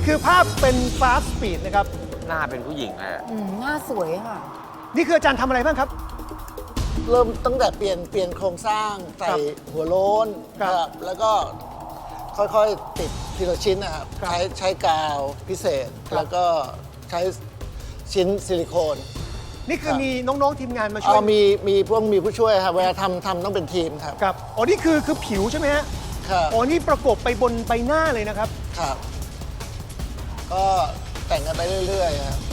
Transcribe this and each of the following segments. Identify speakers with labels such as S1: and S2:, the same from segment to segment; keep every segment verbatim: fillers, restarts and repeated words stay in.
S1: คือภาพเป็นฟาสต์สปีดนะครับ
S2: หน้าเป็นผู้หญิงเลยอะ
S3: อืมหน้าสวยค่ะ
S1: นี่คืออาจารย์ทำอะไรบ้างครับ
S4: เริ่มตั้งแต่เปลี่ยนเปลี่ยนโครงสร้างใส่หัวโล้น
S1: ครับ
S4: นะครับแล้วก็ค่อยๆติดทีละชิ้นนะครับ
S1: ครับ
S4: ใช้ใช้กาวพิเศษ
S1: ครับ
S4: แล้วก็ใช้ชิ้นซิลิโคน
S1: นี่คือ
S4: ครับ
S1: มีน้องๆทีมงานมาช่ว
S4: เอา
S1: ย
S4: มีมีพวกมีผู้ช่วยครับเวลาทำทำต้องเป็นทีมครับ
S1: ครับอ๋อนี่คือคือผิวใช่ไหมฮะ
S4: ครับ
S1: อ๋อนี่ประกบไปบนใบหน้าเลยนะครับ
S4: ครับ ก็แต่งกันไปเรื่อยๆครับ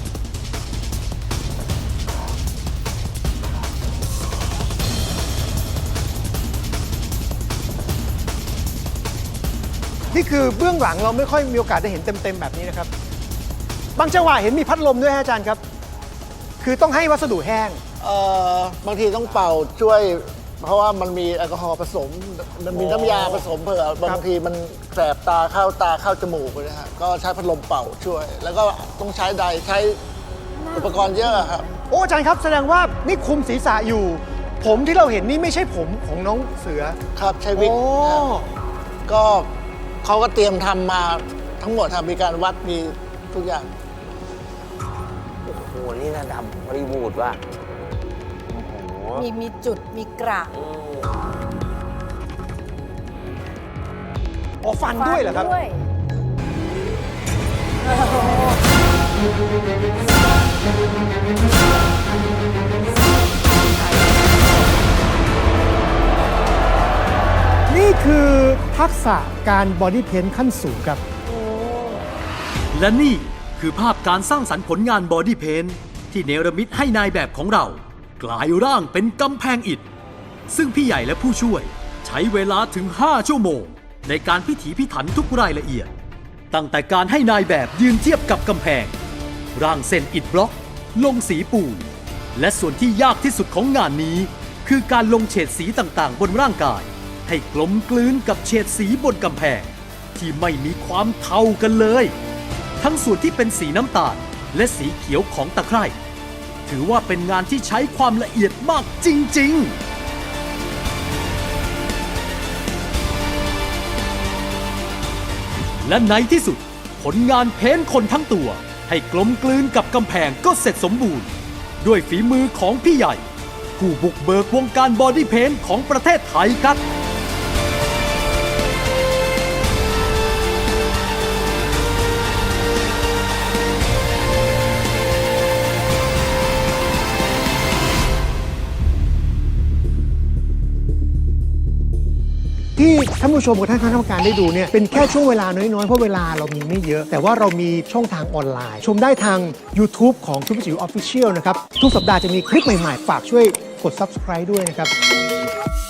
S1: นี่คือเบื้องหลังเราไม่ค่อยมีโอกาสได้เห็นเต็มๆแบบนี้นะครับ บางจังหวะเห็นมีพัดลมด้วยฮะอาจารย์ครับ คือต้องให้วัสดุแห้ง
S4: เอ่อบางทีต้องเป่าช่วย เพราะว่ามันมีแอลกอฮอล์ผสม มันมีน้ำยาผสมเผื่อบางทีมันแสบตาเข้าตาเข้าจมูกเลยนะฮะก็ใช้พัดลมเป่าช่วย แล้วก็ต้องใช้ไดร์ใช้อุปกรณ์เยอะครับ
S1: โอ้อาจารย์ครับแสดงว่านี่คุมศีรษะอยู่ ผมที่เราเห็นนี่ไม่ใช่ผมของน้องเสือ
S4: ครับใช้วิก
S1: โอ้
S4: นะครับก็เขาก็เตรียมทำมาทั้งหมดครับมีการวัดมีทุกอย่าง
S2: โอ้โห นี่ระดับฮอลลีวูดว่ะโอ้โห
S3: มีมีจุดมีกระ
S2: อืม
S1: อ๋อฟันด้วยเหรอครับ
S3: ด้วย
S1: นี่คือทักษะการบอดี้เพนท์ขั้นสูงครับ
S5: และนี่คือภาพการสร้างสรรค์ผลงานบอดี้เพนท์ที่เนรมิตให้นายแบบของเรา กลายร่างเป็นกำแพงอิฐ ซึ่งพี่ใหญ่และผู้ช่วยใช้เวลาถึง ห้า ชั่วโมง ในการพิถีพิถันทุกรายละเอียด ตั้งแต่การให้นายแบบยืนเทียบกับกำแพง ร่างเส้นอิฐบล็อก ลงสีปูน และส่วนที่ยากที่สุดของงานนี้ คือการลงเฉดสีต่างๆ บนร่างกาย ให้กลมกลืนกับเฉดสีบนกำแพง ที่ไม่มีความเท่ากันเลย ทั้งส่วนที่เป็นสีน้ำตาลและสีเขียวของตะไคร่ถือว่าเป็นงานที่ใช้ความละเอียดมากจริงๆ และในที่สุดผลงานเพ้นท์คนทั้งตัว ให้กลมกลืนกับกำแพงก็เสร็จสมบูรณ์ ด้วยฝีมือของพี่ใหญ่ ผู้บุกเบิกวงการบอดี้เพนท์ของประเทศไทยครับ
S1: ที่ท่านผู้ชมกับท่านคณะกรรมการได้ดูเนี่ยเป็นแค่ช่วงเวลาน้อยๆ เพราะเวลาเรามีไม่เยอะ แต่ว่าเรามีช่องทางออนไลน์ ชมได้ทาง YouTube ของซุปเปอร์จิ๋วออฟฟิเชียลนะครับ ทุกสัปดาห์จะมีคลิปใหม่ๆ ฝากช่วยกด Subscribe ด้วยนะครับ